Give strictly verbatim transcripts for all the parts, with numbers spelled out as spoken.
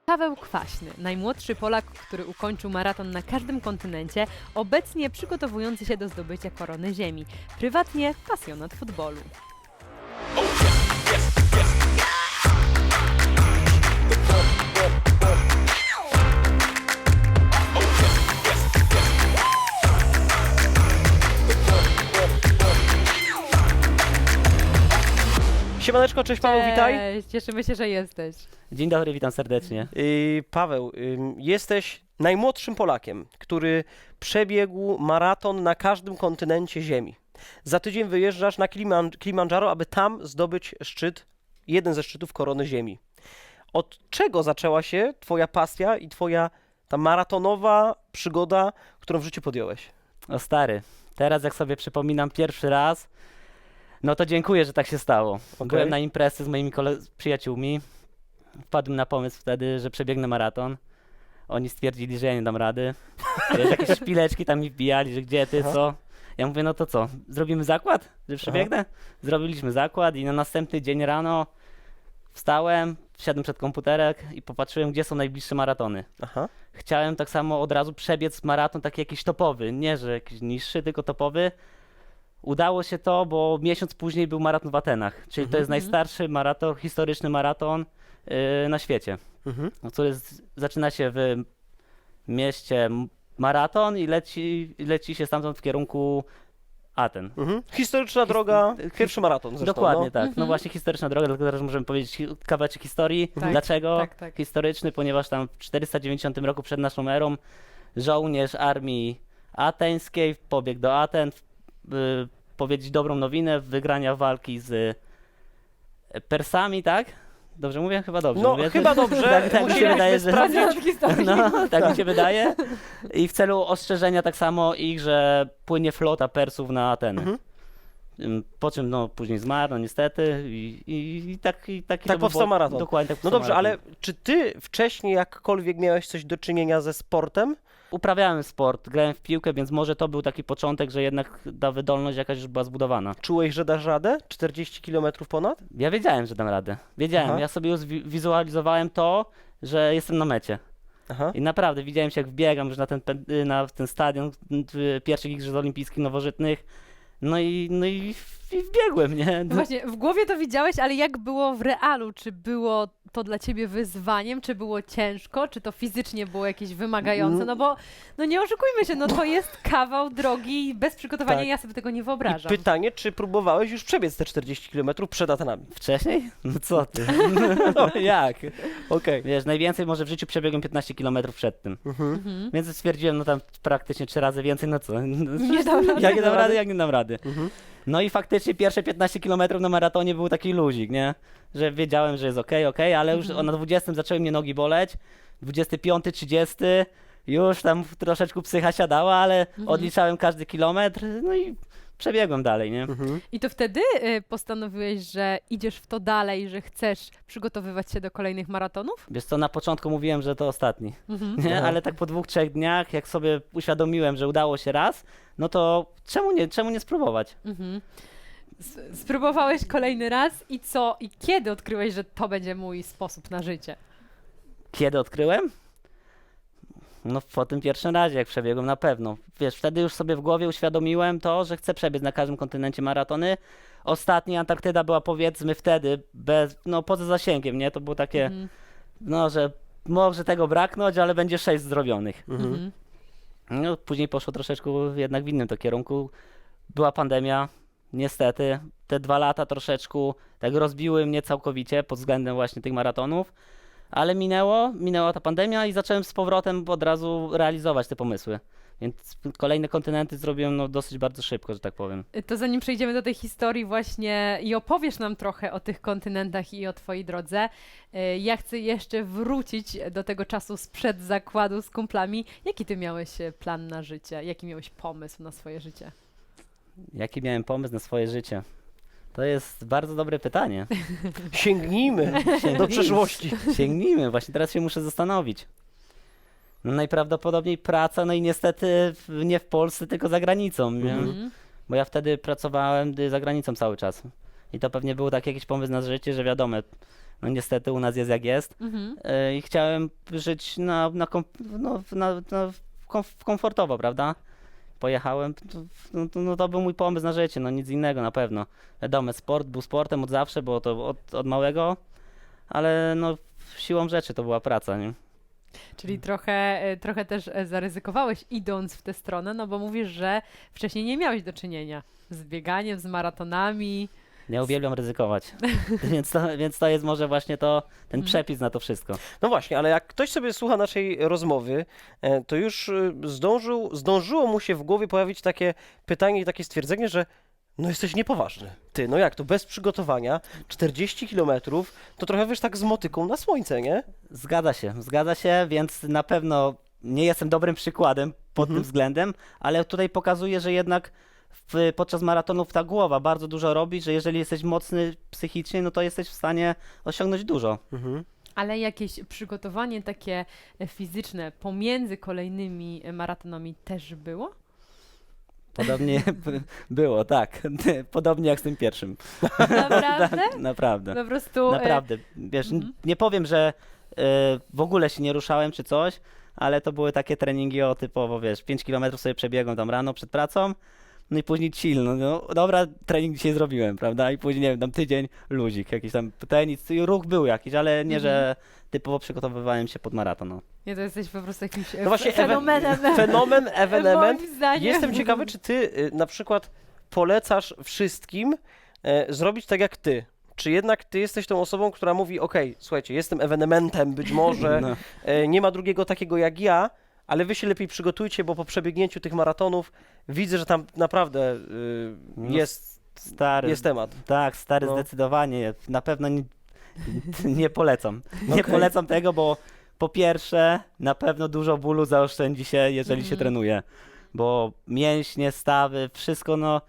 Paweł Kwaśny, najmłodszy Polak, który ukończył maraton na każdym kontynencie, obecnie przygotowujący się do zdobycia korony ziemi. Prywatnie pasjonat futbolu. Siemaneczko, cześć Paweł, witaj. Cześć, cieszymy się, że jesteś. Dzień dobry, witam serdecznie. Yy, Paweł, yy, jesteś najmłodszym Polakiem, który przebiegł maraton na każdym kontynencie Ziemi. Za tydzień wyjeżdżasz na Kiliman- Kilimandżaro, aby tam zdobyć szczyt, jeden ze szczytów korony Ziemi. Od czego zaczęła się twoja pasja i twoja ta maratonowa przygoda, którą w życiu podjąłeś? O stary, teraz jak sobie przypominam pierwszy raz, no to dziękuję, że tak się stało. Okej. Byłem na imprezy z moimi kole- z przyjaciółmi, wpadłem na pomysł wtedy, że przebiegnę maraton. Oni stwierdzili, że ja nie dam rady. Wiesz, jakieś szpileczki tam mi wbijali, że gdzie ty, Aha. co? Ja mówię, no to co, zrobimy zakład, że przebiegnę? Zrobiliśmy zakład i na następny dzień rano wstałem, wsiadłem przed komputerek i popatrzyłem, gdzie są najbliższe maratony. Aha. Chciałem tak samo od razu przebiec maraton taki jakiś topowy, nie że jakiś niższy, tylko topowy. Udało się to, bo miesiąc później był maraton w Atenach, czyli to jest Mhm. najstarszy maraton, historyczny maraton yy, na świecie, Mhm. który z, zaczyna się w mieście M- Maraton i leci, leci się stamtąd w kierunku Aten. Mhm. Historyczna droga, his- pierwszy maraton zresztą. Dokładnie no. tak. Mhm. No właśnie historyczna droga, dlatego teraz możemy powiedzieć hi- kawałeczek historii. Tak, Dlaczego tak, tak. historyczny? Ponieważ tam w czterysta dziewięćdziesiątym roku przed naszą erą żołnierz armii ateńskiej pobiegł do Aten, by powiedzieć dobrą nowinę, wygrania walki z Persami, tak? Dobrze mówię? Chyba dobrze No, mówię. chyba dobrze. Tak, tak mi się Musieliśmy wydaje, że... sprawdzić. No, tak mi się wydaje. I w celu ostrzeżenia tak samo ich, że płynie flota Persów na Ateny. Mhm. Ym, Po czym no później zmarł, no niestety i, i, i tak i taki Tak to był powstał bo- maraton. Dokładnie tak No powstał dobrze, ale maraton. czy ty wcześniej jakkolwiek miałeś coś do czynienia ze sportem? Uprawiałem sport, grałem w piłkę, więc może to był taki początek, że jednak ta wydolność jakaś już była zbudowana. Czułeś, że dasz radę? czterdzieści kilometrów ponad? Ja wiedziałem, że dam radę. Wiedziałem, Aha. ja sobie już wi- wizualizowałem to, że jestem na mecie. Aha. I naprawdę widziałem się jak wbiegam już na ten, pe- na ten stadion y, pierwszych Igrzysk Olimpijskich Nowożytnych. No i, no i, i wbiegłem, nie? No właśnie, w głowie to widziałeś, ale jak było w realu? Czy było to dla ciebie wyzwaniem? Czy było ciężko? Czy to fizycznie było jakieś wymagające? No bo, no nie oszukujmy się, no to jest kawał drogi i bez przygotowania Tak. ja sobie tego nie I wyobrażam. pytanie, czy próbowałeś już przebiec te czterdzieści kilometrów przed Atenami? Wcześniej? No co ty? Jak? Okej. Wiesz, najwięcej może w życiu przebiegłem piętnaście kilometrów przed tym. Mhm. Mhm. Więc stwierdziłem, no tam praktycznie trzy razy więcej, no co? Nie dam rady. Jak nie dam rady, jak nie dam rady. Mhm. No i faktycznie pierwsze piętnaście kilometrów na maratonie był taki luzik, nie? Że wiedziałem, że jest okej, okej, ale już Mhm. na dwudziestym zaczęły mnie nogi boleć, dwudziesty piąty, trzydziesty już tam troszeczkę psycha siadała, ale Mhm. odliczałem każdy kilometr, no i przebiegłem dalej, nie? Mhm. I to wtedy y, postanowiłeś, że idziesz w to dalej, że chcesz przygotowywać się do kolejnych maratonów? Wiesz co, na początku mówiłem, że to ostatni, Mhm. nie? Aha. Ale tak po dwóch, trzech dniach, jak sobie uświadomiłem, że udało się raz, no to czemu nie, czemu nie spróbować? Mhm. S- Spróbowałeś kolejny raz i co? I kiedy odkryłeś, że to będzie mój sposób na życie? Kiedy odkryłem? No po tym pierwszym razie, jak przebiegłem na pewno. Wiesz, wtedy już sobie w głowie uświadomiłem to, że chcę przebiec na każdym kontynencie maratony. Ostatni Antarktyda była powiedzmy wtedy bez, no poza zasięgiem, nie? To było takie, Mhm. no, że może tego braknąć, ale będzie sześć zdrowionych. Mhm. Mhm. No później poszło troszeczkę jednak w innym to kierunku. Była pandemia, niestety. Te dwa lata troszeczkę tak rozbiły mnie całkowicie pod względem właśnie tych maratonów. Ale minęło, minęła ta pandemia i zacząłem z powrotem od razu realizować te pomysły. Więc kolejne kontynenty zrobiłem no, dosyć bardzo szybko, że tak powiem. To zanim przejdziemy do tej historii właśnie i opowiesz nam trochę o tych kontynentach i o twojej drodze, y, ja chcę jeszcze wrócić do tego czasu sprzed zakładu z kumplami. Jaki ty miałeś e, plan na życie? Jaki miałeś pomysł na swoje życie? Jaki miałem pomysł na swoje życie? To jest bardzo dobre pytanie. Sięgnijmy do Sięgnijmy. przeszłości. Sięgnijmy, właśnie teraz się muszę zastanowić. No najprawdopodobniej praca, no i niestety w- nie w Polsce, tylko za granicą, nie? Mhm. Bo ja wtedy pracowałem y, za granicą cały czas. I to pewnie był taki jakiś pomysł na życie, że wiadomo, no niestety u nas jest jak jest. Mhm. E, I chciałem żyć na, na, kom, no, na, na komf- komfortowo, prawda? Pojechałem, to, no, to, no to był mój pomysł na życie, no nic innego na pewno. Wiadomo, sport był sportem od zawsze, było to od, od małego, ale no siłą rzeczy to była praca, nie? Czyli trochę, e, trochę też e, zaryzykowałeś idąc w tę stronę, no bo mówisz, że wcześniej nie miałeś do czynienia z bieganiem, z maratonami. Ja uwielbiam ryzykować, więc, to, więc to jest może właśnie to, ten Mhm. przepis na to wszystko. No właśnie, ale jak ktoś sobie słucha naszej rozmowy, e, to już y, zdążył, zdążyło mu się w głowie pojawić takie pytanie i takie stwierdzenie, że no jesteś niepoważny. Ty, no jak to, bez przygotowania, czterdzieści kilometrów, to trochę wiesz tak z motyką na słońce, nie? Zgadza się, zgadza się, więc na pewno nie jestem dobrym przykładem pod Mhm. tym względem, ale tutaj pokazuję, że jednak w, podczas maratonów ta głowa bardzo dużo robi, że jeżeli jesteś mocny psychicznie, no to jesteś w stanie osiągnąć dużo. Mhm. Ale jakieś przygotowanie takie e, fizyczne pomiędzy kolejnymi e, maratonami też było? Podobnie by- było, tak. Podobnie jak z tym pierwszym. Naprawdę? Tak, naprawdę. Po prostu... e, Naprawdę. Wiesz, n- mhm. nie powiem, że e, w ogóle się nie ruszałem czy coś, ale to były takie treningi o typowo, wiesz, pięć kilometrów sobie przebiegłem tam rano przed pracą, no i później chill, no, no dobra, trening dzisiaj zrobiłem, prawda? I później, nie wiem, tam tydzień luzik, jakiś tam tenis, i ruch był jakiś, ale nie, że typowo przygotowywałem się pod maraton. No. Nie, to jesteś po prostu jakimś e, No właśnie, ewe- fenomenem. Fenomen, ewenement. Moim zdaniem. Jestem ciekawy, czy ty y, na przykład polecasz wszystkim e, zrobić tak jak ty. Czy jednak ty jesteś tą osobą, która mówi, okej, słuchajcie, jestem ewenementem, być może No. e, nie ma drugiego takiego jak ja, ale wy się lepiej przygotujcie, bo po przebiegnięciu tych maratonów widzę, że tam naprawdę y, No, jest, Stary, jest temat. tak, stary, No. zdecydowanie. Na pewno nie, nie polecam. Nie Okej. polecam tego, bo po pierwsze, na pewno dużo bólu zaoszczędzi się, jeżeli się Mhm. trenuje. Bo mięśnie, stawy, wszystko, no,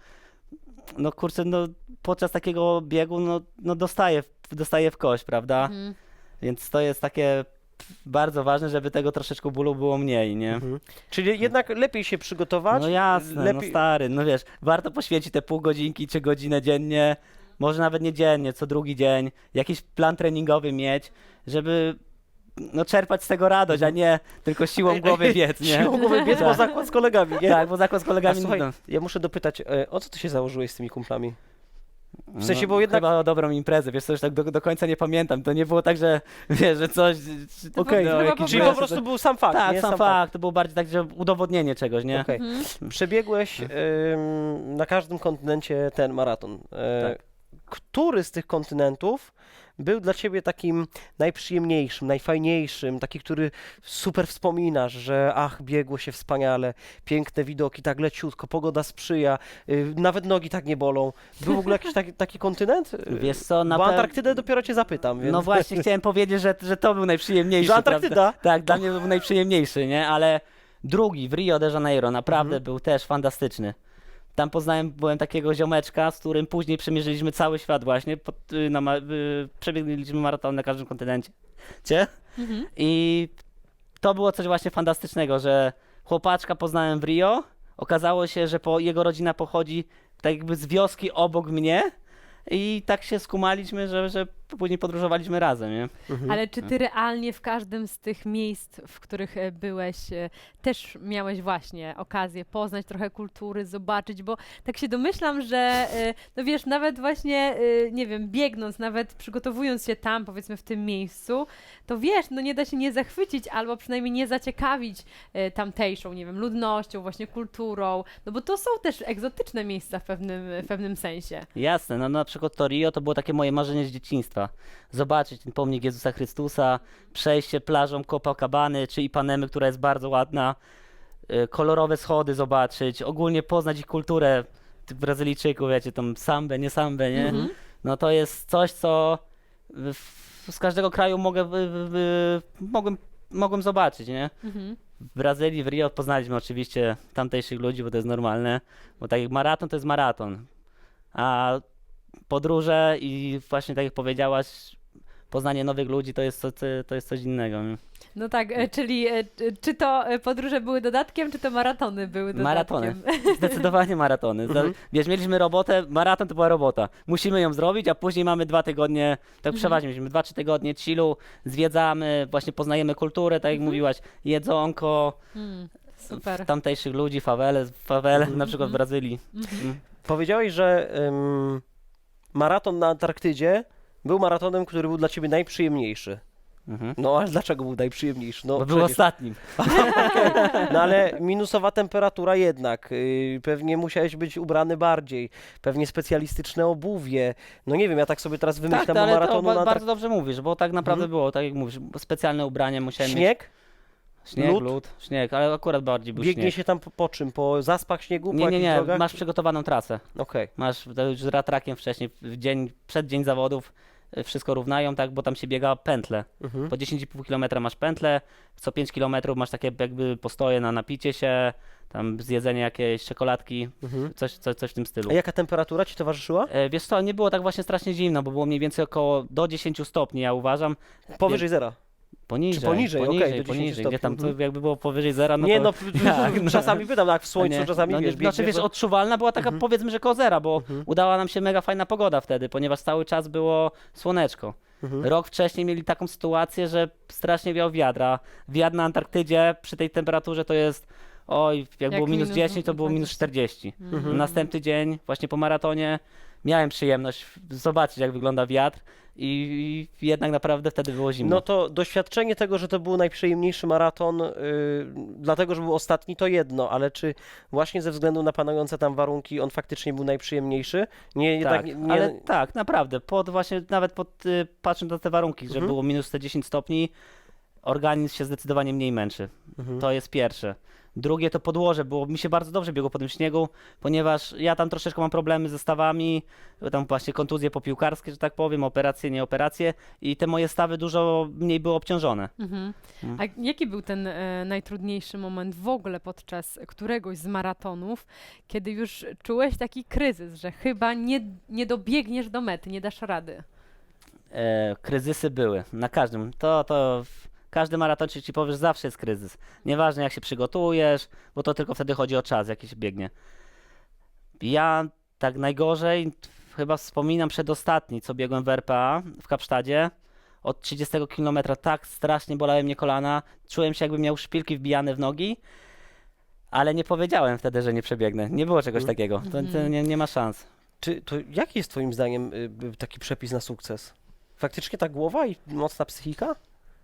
no kurczę, no podczas takiego biegu, no, no dostaje, w- dostaje w kość, prawda? Mhm. Więc to jest takie bardzo ważne, żeby tego troszeczkę bólu było mniej, nie? Mhm. Czyli jednak lepiej się przygotować. No jasne, no lepiej... stary, no wiesz, warto poświęcić te pół godzinki czy godzinę dziennie, może nawet nie dziennie, co drugi dzień, jakiś plan treningowy mieć, żeby no czerpać z tego radość, a nie tylko siłą głowy biec, nie? Siłą głowy biec, bo Tak. zakład z kolegami, nie? Tak, bo zakład z A kolegami, słuchaj, no, ja muszę dopytać, e, o co ty się założyłeś z tymi kumplami? w sensie, bo jednak- Chyba o dobrą imprezę, wiesz co, już tak do, do końca nie pamiętam, to nie było tak, że wiesz, że coś... To Okej, było no, chyba jakiś po Czyli prostu- po prostu był sam fakt, Tak, nie? sam fakt, to było bardziej tak, że udowodnienie czegoś, nie? Okej. Mhm. Przebiegłeś ym, na każdym kontynencie ten maraton. E, Tak. Który z tych kontynentów był dla ciebie takim najprzyjemniejszym, najfajniejszym, taki, który super wspominasz, że ach, biegło się wspaniale, piękne widoki, tak leciutko, pogoda sprzyja, y, nawet nogi tak nie bolą. Był w ogóle jakiś taki, taki kontynent? Y, Wiesz co, na Bo pe- Antarktydę dopiero cię zapytam, więc... No właśnie, chciałem powiedzieć, że, że to był najprzyjemniejszy. Że Antarktyda? Prawda? Tak, dla mnie był najprzyjemniejszy, nie? Ale drugi w Rio de Janeiro naprawdę Mhm. był też fantastyczny. Tam poznałem, byłem takiego ziomeczka, z którym później przemierzyliśmy cały świat właśnie. Pod, y, na, ma- y, przebiegliśmy maraton na każdym kontynencie. Cie? Mhm. I to było coś właśnie fantastycznego, że chłopaczka poznałem w Rio. Okazało się, że po, jego rodzina pochodzi tak jakby z wioski obok mnie. I tak się skumaliśmy, że, że później podróżowaliśmy razem, nie? Mhm. Ale czy ty realnie w każdym z tych miejsc, w których e, byłeś, e, też miałeś właśnie okazję poznać trochę kultury, zobaczyć, bo tak się domyślam, że e, no wiesz, nawet właśnie, e, nie wiem, biegnąc, nawet przygotowując się tam, powiedzmy w tym miejscu, to wiesz, no nie da się nie zachwycić albo przynajmniej nie zaciekawić e, tamtejszą, nie wiem, ludnością, właśnie kulturą, no bo to są też egzotyczne miejsca w pewnym, w pewnym sensie. Jasne, no na przykład to Rio to było takie moje marzenie z dzieciństwa. Zobaczyć ten pomnik Jezusa Chrystusa, przejście plażą Copacabany czy Ipanemy, która jest bardzo ładna, y, kolorowe schody zobaczyć, ogólnie poznać ich kulturę, tych Brazylijczyków, wiecie, tą sambę, nie sambę, nie? Mhm. No to jest coś, co w, z każdego kraju mogę, w, w, w, mogłem, mogłem zobaczyć, nie? Mhm. W Brazylii, w Rio poznaliśmy oczywiście tamtejszych ludzi, bo to jest normalne, bo tak jak maraton to jest maraton, a podróże i właśnie tak jak powiedziałaś, poznanie nowych ludzi to jest, co, to jest coś innego. Nie? No tak, e, czyli e, czy- czy to e, podróże były dodatkiem, czy to maratony były dodatkiem? Maratony. Zdecydowanie maratony. Za- Mhm. Wiesz, mieliśmy robotę, maraton to była robota. Musimy ją zrobić, a później mamy dwa tygodnie, tak Mhm. przeważnie mieliśmy dwa, trzy tygodnie chillu, zwiedzamy, właśnie poznajemy kulturę, tak jak Mhm. mówiłaś, jedzonko, Mm, super. tamtejszych ludzi, fawele, fawele Mhm. na przykład w Mhm. Brazylii. Mhm. Mm. Powiedziałeś, że ym, maraton na Antarktydzie był maratonem, który był dla ciebie najprzyjemniejszy. Mhm. No ale dlaczego był najprzyjemniejszy? No, Bo był przecież- ostatnim. no ale minusowa temperatura jednak, yy, pewnie musiałeś być ubrany bardziej, pewnie specjalistyczne obuwie, no nie wiem, ja tak sobie teraz wymyślam Tak, o ale to maratonu ba- na bardzo dobrze mówisz, bo tak naprawdę Mhm. było, tak jak mówisz, specjalne ubrania musiałem mieć. Śnieg? Śnieg, lód? lód, śnieg, ale akurat bardziej był Biegnie śnieg. się tam po, po czym? Po zaspach śniegu? Po Nie, nie, jakichś nie, drogach? masz przygotowaną trasę. Okej. Masz to już z ratrakiem wcześniej, w dzień, przed dzień zawodów y, wszystko równają, tak, bo tam się biega pętle. Mhm. Po dziesięć i pół kilometra masz pętlę, co pięć kilometrów masz takie jakby postoje na napicie się, tam zjedzenie jakiejś czekoladki, Mhm. coś, coś, coś w tym stylu. A jaka temperatura ci towarzyszyła? E, Wiesz co, nie było tak właśnie strasznie zimno, bo było mniej więcej około do dziesięciu stopni, ja uważam. Powyżej zera. Poniżej, Czy poniżej? Okej, poniżej, do dziesięciu poniżej. Gdzie tam stopni, to jakby było powyżej zera, no nie, to... no, jak, no. czasami pytam, tak w A słońcu, nie, czasami no, nie, wiesz, znaczy biegniesz, wiesz, no- odczuwalna była taka Mhm. powiedzmy, że koło zera, bo Mhm. udała nam się mega fajna pogoda wtedy, ponieważ cały czas było słoneczko. Mhm. Rok wcześniej mieli taką sytuację, że strasznie wiał wiadra. Wiatr na Antarktydzie przy tej temperaturze to jest, oj, jak, Jak było minus minus dziesięć, to było minus dwadzieścia. czterdzieści. Mhm. Następny dzień, właśnie po maratonie, miałem przyjemność zobaczyć, jak wygląda wiatr i, i jednak naprawdę wtedy było zimno. No to doświadczenie tego, że to był najprzyjemniejszy maraton, yy, dlatego, że był ostatni, to jedno, ale czy właśnie ze względu na panujące tam warunki on faktycznie był najprzyjemniejszy? Nie, jednak tak, nie, nie... ale tak, naprawdę, pod właśnie, nawet pod, y, patrząc na te warunki, że Mhm. było minus te dziesięć stopni, organizm się zdecydowanie mniej męczy. Mhm. To jest pierwsze. Drugie to podłoże, było mi się bardzo dobrze biegło po tym śniegu, ponieważ ja tam troszeczkę mam problemy ze stawami, tam właśnie kontuzje popiłkarskie, że tak powiem, operacje, nie operacje i te moje stawy dużo mniej były obciążone. Mhm. Mm. A jaki był ten e, najtrudniejszy moment w ogóle podczas któregoś z maratonów, kiedy już czułeś taki kryzys, że chyba nie, nie dobiegniesz do mety, nie dasz rady? E, kryzysy były, na każdym, to, to w- każdy maratonczyk ci powiesz, zawsze jest kryzys. Nieważne jak się przygotujesz, bo to tylko wtedy chodzi o czas, jaki się biegnie. Ja tak najgorzej chyba wspominam przedostatni, co biegłem w R P A w Kapsztadzie. Od trzydziestego kilometra tak strasznie bolały mnie kolana. Czułem się, jakbym miał szpilki wbijane w nogi, ale nie powiedziałem wtedy, że nie przebiegnę. Nie było czegoś Mhm. takiego. To, to Mhm. nie, nie ma szans. Czy to jaki jest twoim zdaniem y, y, taki przepis na sukces? Faktycznie ta głowa i mocna psychika?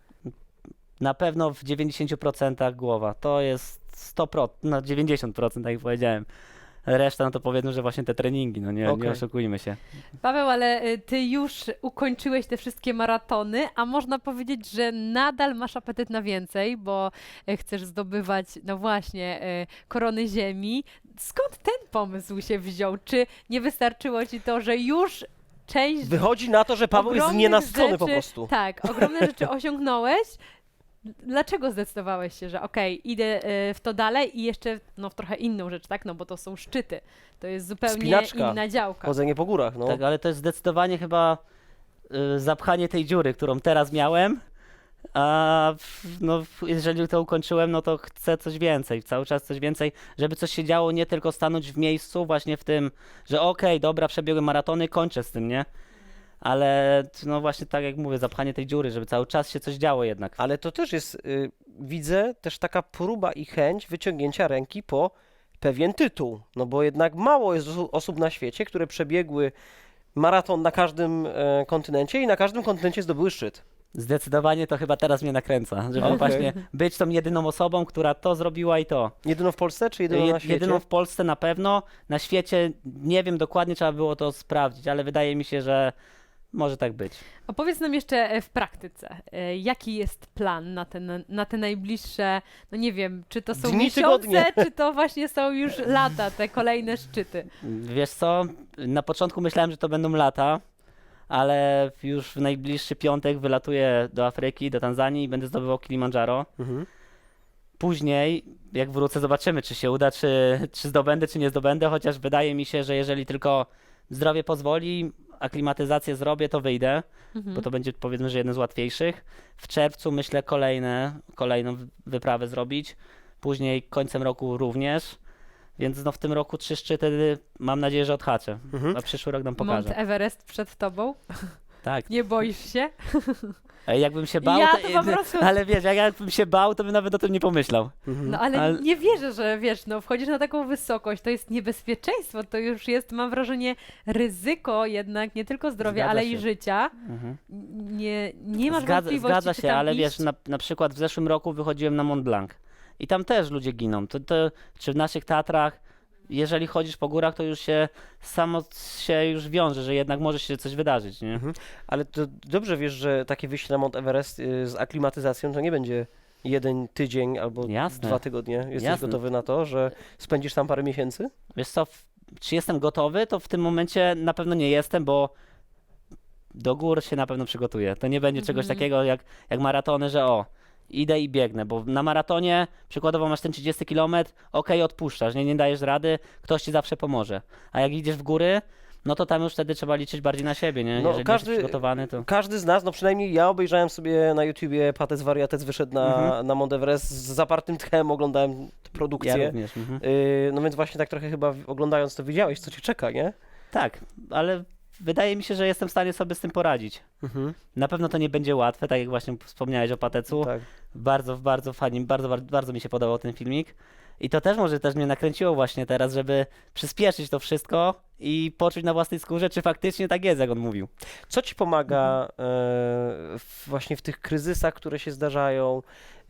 Na pewno w dziewięćdziesięciu procentach głowa. To jest sto procent, no dziewięćdziesiąt procent, tak jak powiedziałem. Reszta, no to powiedzmy, że właśnie te treningi, no nie, Okej. nie oszukujmy się. Paweł, ale y, ty już ukończyłeś te wszystkie maratony, a można powiedzieć, że nadal masz apetyt na więcej, bo y, chcesz zdobywać, no właśnie, y, korony ziemi. Skąd ten pomysł się wziął? Czy nie wystarczyło ci to, że już część Wychodzi na to, że Paweł jest ogromnych znienacczony po rzeczy- prostu. Tak, ogromne rzeczy osiągnąłeś. Dlaczego zdecydowałeś się, że okej, idę y, w to dalej i jeszcze no, w trochę inną rzecz, tak? No bo to są szczyty. To jest zupełnie Wspinaczka. inna działka. Chodzenie po górach, no. Tak, ale to jest zdecydowanie chyba y, zapchanie tej dziury, którą teraz miałem. A w- no, w- jeżeli to ukończyłem, no to chcę coś więcej, cały czas coś więcej, żeby coś się działo, nie tylko stanąć w miejscu, właśnie w tym, że okej, dobra, przebiegłem maratony, kończę z tym, nie? Ale no właśnie tak jak mówię, zapchanie tej dziury, żeby cały czas się coś działo jednak. Ale to też jest, y, widzę, też taka próba i chęć wyciągnięcia ręki po pewien tytuł. No bo jednak mało jest osu- osób na świecie, które przebiegły maraton na każdym e, kontynencie i na każdym kontynencie zdobyły szczyt. Zdecydowanie to chyba teraz mnie nakręca, żeby Okej. właśnie być tą jedyną osobą, która to zrobiła i to. Jedyną w Polsce, czy jedyną Jed- na świecie? Jedyną w Polsce na pewno. Na świecie nie wiem dokładnie, trzeba było to sprawdzić, ale wydaje mi się, że może tak być. Opowiedz nam jeszcze e, w praktyce, e, jaki jest plan na te, na, na te najbliższe, no nie wiem, czy to są Dni, miesiące, tygodnie. czy to właśnie są już lata, te kolejne szczyty. Wiesz co, na początku myślałem, że to będą lata, ale już w najbliższy piątek wylatuję do Afryki, do Tanzanii i będę zdobywał Kilimandżaro. Mhm. Później, jak wrócę, zobaczymy, czy się uda, czy, czy zdobędę, czy nie zdobędę, chociaż wydaje mi się, że jeżeli tylko zdrowie pozwoli, aklimatyzację zrobię, to wyjdę, Mhm. bo to będzie powiedzmy, że jeden z łatwiejszych. W czerwcu myślę kolejne, kolejną wy- wyprawę zrobić, później końcem roku również, więc no w tym roku trzy szczyty mam nadzieję, że odhaczę, Mhm. a przyszły rok nam Mount pokaże. Everest przed tobą? Tak, Nie boisz się? Ej, jakbym się bał, Ja to, to po prostu- ale wiesz, jak jakbym się bał, to bym nawet o tym nie pomyślał. Mhm. No ale Ale- nie wierzę, że wiesz, no wchodzisz na taką wysokość, to jest niebezpieczeństwo, to już jest, mam wrażenie, ryzyko jednak nie tylko zdrowia, Zgadza ale się. i życia. Mhm. Nie, nie masz Zgadza, wątpliwości, zgadza czy się, tam ale iść? wiesz, na, na przykład w zeszłym roku wychodziłem na Mont Blanc i tam też ludzie giną. To, to, czy w naszych Tatrach, jeżeli chodzisz po górach, to już się samo się już wiąże, że jednak może się coś wydarzyć, nie? Mhm. Ale to dobrze wiesz, że takie wyjście na Mont Everest y, z aklimatyzacją to nie będzie jeden tydzień albo Jasne. dwa tygodnie. Jesteś Jasne. gotowy na to, że spędzisz tam parę miesięcy? Wiesz co, w, czy jestem gotowy? To w tym momencie na pewno nie jestem, bo do gór się na pewno przygotuję. To nie będzie czegoś Mhm. takiego jak, jak maratony, że o, idę i biegnę, bo na maratonie przykładowo masz ten trzydziesty kilometr, okej, odpuszczasz, nie, nie dajesz rady, ktoś ci zawsze pomoże. A jak idziesz w góry, no to tam już wtedy trzeba liczyć bardziej na siebie, nie? No, Jeżeli każdy- jesteś przygotowany, to... Każdy z nas, no przynajmniej ja obejrzałem sobie na YouTubie Patec Wariatec wyszedł na, Mhm. na Mont Everest z zapartym tchem, oglądałem tę produkcję. Ja również. Mhm. Y, no więc właśnie tak trochę chyba w- oglądając to wiedziałeś, co cię czeka, nie? Tak, ale wydaje mi się, że jestem w stanie sobie z tym poradzić. Mhm. Na pewno to nie będzie łatwe, tak jak właśnie wspomniałeś o Patecu. Tak. Bardzo, bardzo fajnie, bardzo, bardzo, bardzo mi się podobał ten filmik. I to też może też mnie nakręciło właśnie teraz, żeby przyspieszyć to wszystko i poczuć na własnej skórze, czy faktycznie tak jest, jak on mówił. Co ci pomaga e, w, właśnie w tych kryzysach, które się zdarzają,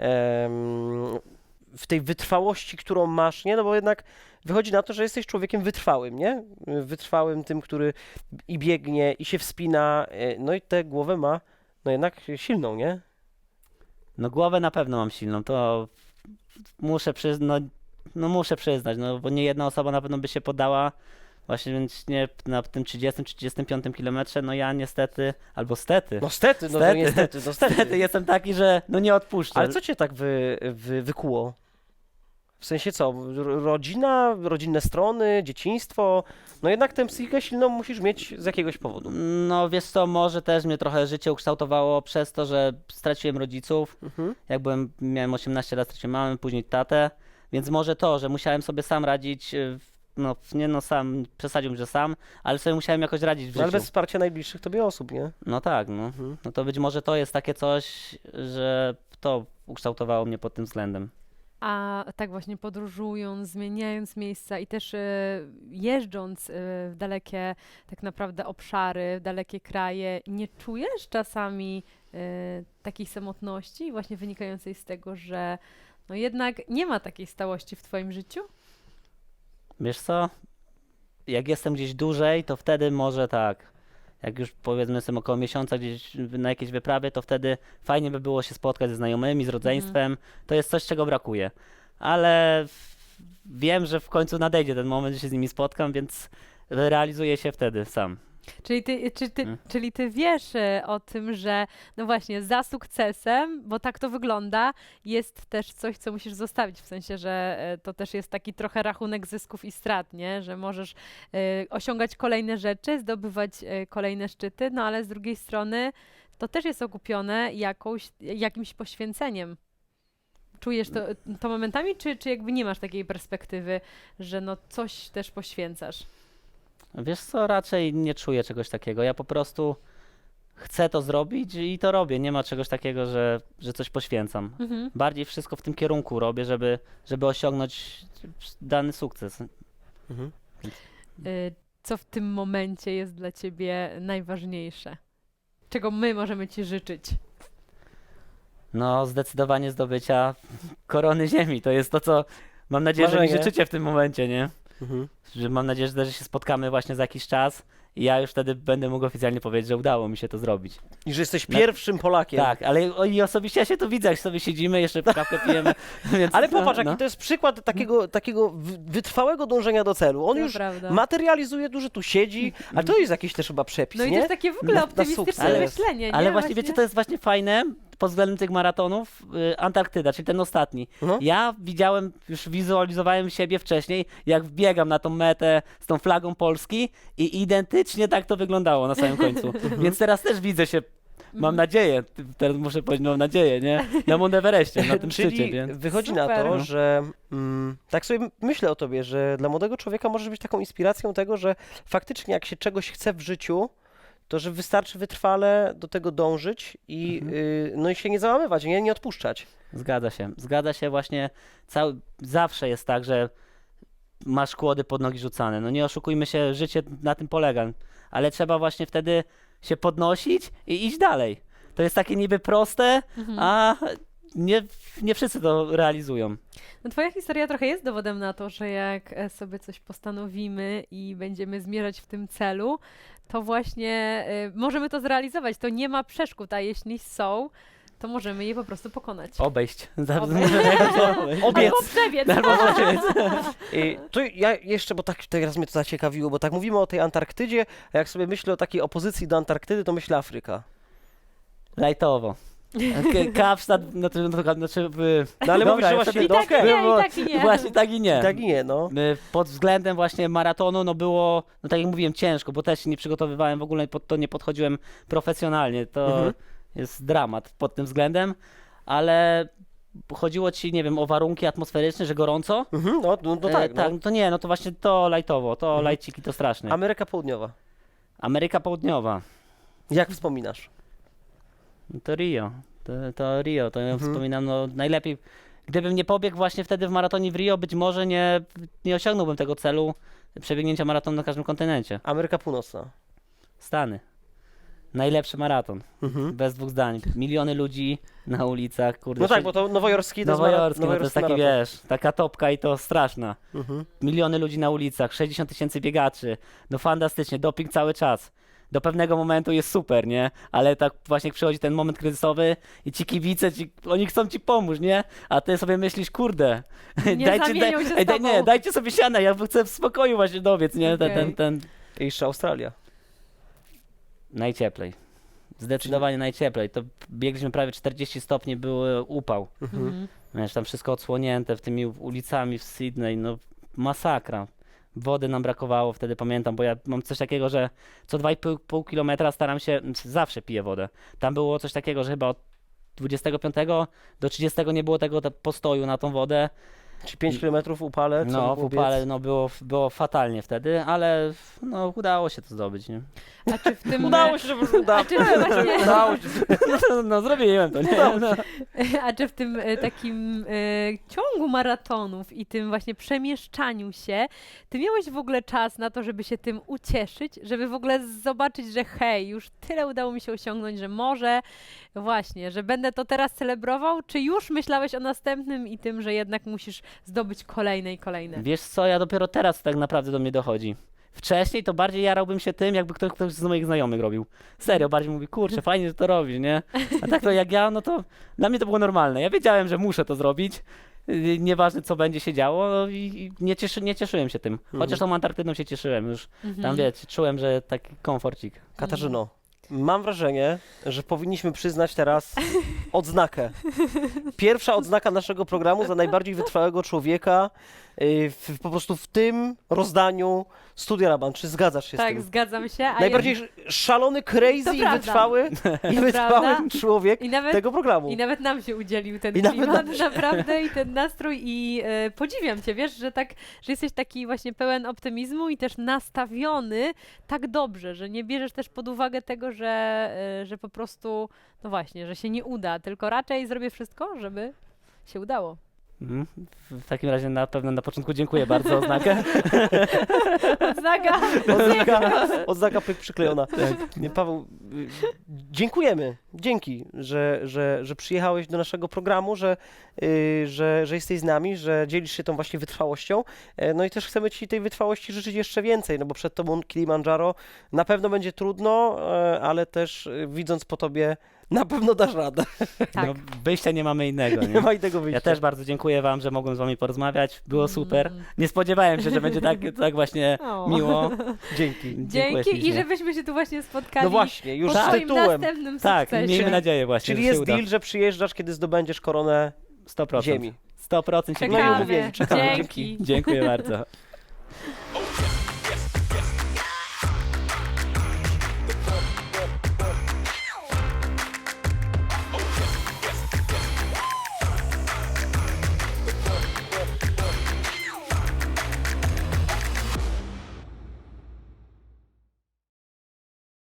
em, w tej wytrwałości, którą masz, nie? No bo jednak wychodzi na to, że jesteś człowiekiem wytrwałym, nie? Wytrwałym tym, który i biegnie, i się wspina, e, no i tę głowę ma, no jednak silną, nie? No głowę na pewno mam silną, to muszę przyznać, no, no muszę przyznać, no bo nie jedna osoba na pewno by się poddała. Właśnie więc nie na tym trzydziestym trzydziestym piątym kilometrze, no ja niestety, albo stety, No stety, no to Stety. niestety, no stety. stety jestem taki, że no nie odpuszczę. Ale co cię tak wy, wy, wykuło? W sensie co? R- rodzina, rodzinne strony, dzieciństwo? No jednak tę psychikę silną musisz mieć z jakiegoś powodu. No wiesz co, może też mnie trochę życie ukształtowało przez to, że straciłem rodziców. Mhm. Jak byłem, miałem osiemnaście lat, straciłem mamę, później tatę, więc może to, że musiałem sobie sam radzić, y, w- no nie no sam, przesadziłbym, że sam, ale sobie musiałem jakoś radzić w No, życiu. ale bez wsparcia najbliższych tobie osób, nie? No tak, no. Mhm. No to być może to jest takie coś, że to ukształtowało mnie pod tym względem. A tak właśnie podróżując, zmieniając miejsca i też e, jeżdżąc e, w dalekie tak naprawdę obszary, w dalekie kraje, nie czujesz czasami e, takiej samotności właśnie wynikającej z tego, że no jednak nie ma takiej stałości w twoim życiu? Wiesz co? Jak jestem gdzieś dłużej, to wtedy może tak. Jak już powiedzmy jestem około miesiąca gdzieś na jakiejś wyprawie, to wtedy fajnie by było się spotkać ze znajomymi, z rodzeństwem. To jest coś, czego brakuje. Ale w- wiem, że w końcu nadejdzie ten moment, że się z nimi spotkam, więc realizuję się wtedy sam. Czyli ty, czy ty, Mm. czyli ty wiesz e, o tym, że no właśnie za sukcesem, bo tak to wygląda, jest też coś, co musisz zostawić, w sensie, że e, to też jest taki trochę rachunek zysków i strat, nie? Że możesz e, osiągać kolejne rzeczy, zdobywać e, kolejne szczyty, no ale z drugiej strony to też jest okupione jakąś, jakimś poświęceniem. Czujesz to, to momentami, czy, czy jakby nie masz takiej perspektywy, że no coś też poświęcasz? Wiesz co, raczej nie czuję czegoś takiego. Ja po prostu chcę to zrobić i to robię. Nie ma czegoś takiego, że, że coś poświęcam. Mhm. Bardziej wszystko w tym kierunku robię, żeby, żeby osiągnąć dany sukces. Mhm. Y, co w tym momencie jest dla ciebie najważniejsze? Czego my możemy ci życzyć? No, zdecydowanie zdobycia korony ziemi. To jest to, co mam nadzieję, że mi Marzenie. życzycie w tym momencie, nie? Mhm. Że mam nadzieję, że się spotkamy właśnie za jakiś czas i ja już wtedy będę mógł oficjalnie powiedzieć, że udało mi się to zrobić. I że jesteś Na- pierwszym Polakiem. Tak, ale o, i osobiście ja się tu widzę, jak sobie siedzimy, jeszcze kawkę pijemy. Więc, Ale popatrz, no, jaki to jest przykład takiego, takiego wy- wytrwałego dążenia do celu. On To już prawda. materializuje dużo, tu siedzi, ale to jest jakiś też chyba przepis, No i to nie? jest takie w ogóle Na- na optymistyczne sukces. myślenie, nie? Ale właśnie, wiecie, to jest właśnie fajne, pod względem tych maratonów y, Antarktyda, czyli ten ostatni. No. Ja widziałem, już wizualizowałem siebie wcześniej, jak wbiegam na tą metę z tą flagą Polski i identycznie tak to wyglądało na samym końcu. Więc teraz też widzę się, mam nadzieję, teraz muszę powiedzieć, mam nadzieję, nie? Na Mount Everestie, na tym szczycie, Czyli więc... wychodzi na Super. to, że mm, tak sobie myślę o tobie, że dla młodego człowieka możesz być taką inspiracją tego, że faktycznie jak się czegoś chce w życiu, to że wystarczy wytrwale do tego dążyć i, y, no i się nie załamywać, nie, nie odpuszczać. Zgadza się. Zgadza się właśnie. Cały, zawsze jest tak, że masz kłody pod nogi rzucane. No nie oszukujmy się, życie na tym polega. Ale trzeba właśnie wtedy się podnosić i iść dalej. To jest takie niby proste, a nie, nie wszyscy to realizują. No twoja historia trochę jest dowodem na to, że jak e, sobie coś postanowimy i będziemy zmierzać w tym celu, to właśnie e, możemy to zrealizować. To nie ma przeszkód, a jeśli są, to możemy je po prostu pokonać. Obejść. Obejść. Obiec. Albo przebiec. I tu ja jeszcze, bo tak teraz mnie to zaciekawiło, bo tak mówimy o tej Antarktydzie, a jak sobie myślę o takiej opozycji do Antarktydy, to myślę Afryka. Lajtowo. K- Kapsztad, znaczy, no, znaczy w... No ale mówisz, że ja właśnie, sobie- I tak i nie, było- i tak i nie. Właśnie tak i nie. Tak i nie, no. Y, Pod względem właśnie maratonu, no było, no tak jak mówiłem, ciężko, bo też się nie przygotowywałem, w ogóle pod to nie podchodziłem profesjonalnie. To Mhm. jest dramat pod tym względem, ale chodziło ci, nie wiem, o warunki atmosferyczne, że gorąco? Mhm, no, no, no E, tak, tak, no. no to nie, no to właśnie to lajtowo, to Mhm. lajciki to straszne. Ameryka Południowa. Ameryka Południowa, Jak wspominasz? no to Rio, to, to Rio, to ja Mhm. wspominam, no najlepiej. Gdybym nie pobiegł właśnie wtedy w maratonie w Rio, być może nie, nie osiągnąłbym tego celu przebiegnięcia maratonu na każdym kontynencie. Ameryka Północna. Stany. Najlepszy maraton. Mhm. Bez dwóch zdań. Miliony ludzi na ulicach, kurde. No tak, sześć- bo to nowojorski to jest mara- Nowojorski, no to jest taki, maraton. wiesz, taka topka i to straszna. Mhm. Miliony ludzi na ulicach, sześćdziesiąt tysięcy biegaczy. No fantastycznie, doping cały czas. Do pewnego momentu jest super, nie? Ale tak właśnie przychodzi ten moment kryzysowy i ci kibice, ci, oni chcą ci pomóc, nie? A ty sobie myślisz, kurde, Nie zamienią się z ej, daj, tobą. nie, dajcie sobie siana, ja chcę w spokoju właśnie dobiec, nie? Ten, Okej. ten, ten. I jeszcze Australia. Najcieplej. Zdecydowanie najcieplej. To biegliśmy prawie czterdzieści stopni, był upał. Mhm. Wiesz, tam wszystko odsłonięte w tymi ulicami w Sydney, no masakra. Wody nam brakowało wtedy, pamiętam, bo ja mam coś takiego, że co dwa i pół kilometra staram się, zawsze piję wodę. Tam było coś takiego, że chyba od dwudziestego piątego do trzydziestego nie było tego te- postoju na tą wodę. Czyli pięć kilometrów upale, co No, w było upale biec? no, było, było fatalnie wtedy, ale no, udało się to zdobyć, nie? A czy w tym... Udało się, że udało. A czy właśnie... Udało się. No, no zrobiłem to, nie? No. A czy w tym e, takim e, ciągu maratonów i tym właśnie przemieszczaniu się, ty miałeś w ogóle czas na to, żeby się tym ucieszyć, żeby w ogóle zobaczyć, że hej, już tyle udało mi się osiągnąć, że może właśnie, że będę to teraz celebrował, czy już myślałeś o następnym i tym, że jednak musisz zdobyć kolejne i kolejne? Wiesz co, ja dopiero teraz tak naprawdę do mnie dochodzi. Wcześniej to bardziej jarałbym się tym, jakby ktoś, ktoś z moich znajomych robił. Serio, bardziej mówi, kurczę, fajnie, że to robisz, nie? A tak to jak ja, no to dla mnie to było normalne. Ja wiedziałem, że muszę to zrobić. Yy, Nieważne, co będzie się działo, no i i nie, cieszy, nie cieszyłem się tym. Chociaż tą Antarktydą się cieszyłem już. Mhm. Tam, wiecie, czułem, że taki komforcik. Katarzyno, mam wrażenie, że powinniśmy przyznać teraz odznakę. Pierwsza odznaka naszego programu za najbardziej wytrwałego człowieka yy, w, po prostu w tym rozdaniu Studia Raban. Czy zgadzasz się z Tak, tym? zgadzam się. A Najbardziej sz- szalony, crazy To i prawda. wytrwały, i To wytrwały prawda. człowiek I nawet, tego programu. I nawet nam się udzielił ten I nawet klimat, nam się. naprawdę, i ten nastrój i e, podziwiam cię, wiesz, że tak, że jesteś taki właśnie pełen optymizmu i też nastawiony tak dobrze, że nie bierzesz też pod uwagę tego, że, e, że po prostu, no właśnie, że się nie uda, tylko raczej zrobię wszystko, żeby się udało. Mhm. W w takim razie na pewno na początku dziękuję bardzo za oznakę. Odznaka! Odznaka, odznaka pyk przyklejona. Nie, Paweł, y, dziękujemy. Dzięki, że, że, że przyjechałeś do naszego programu, że, y, że, że jesteś z nami, że dzielisz się tą właśnie wytrwałością. E, No i też chcemy Ci tej wytrwałości życzyć jeszcze więcej, no bo przed Tobą Kilimandżaro na pewno będzie trudno, e, ale też y, widząc po Tobie Na pewno dasz radę. Tak. No, wyjścia nie mamy innego. Nie Nie? ma innego wyjścia. Ja też bardzo dziękuję wam, że mogłem z wami porozmawiać. Było super. Mm. Nie spodziewałem się, że będzie tak, tak właśnie O. miło. Dzięki. Dziękuję Dzięki i ślicznie. żebyśmy się tu właśnie spotkali No właśnie, już po z twoim tytułem. następnym Tak, sukcesie. miejmy nadzieję właśnie, Czyli że się jest uda. deal, że przyjeżdżasz, kiedy zdobędziesz koronę sto procent. ziemi. sto procent się No i Czekamy. umówieni, czekamy. Dzięki. Dziękuję bardzo.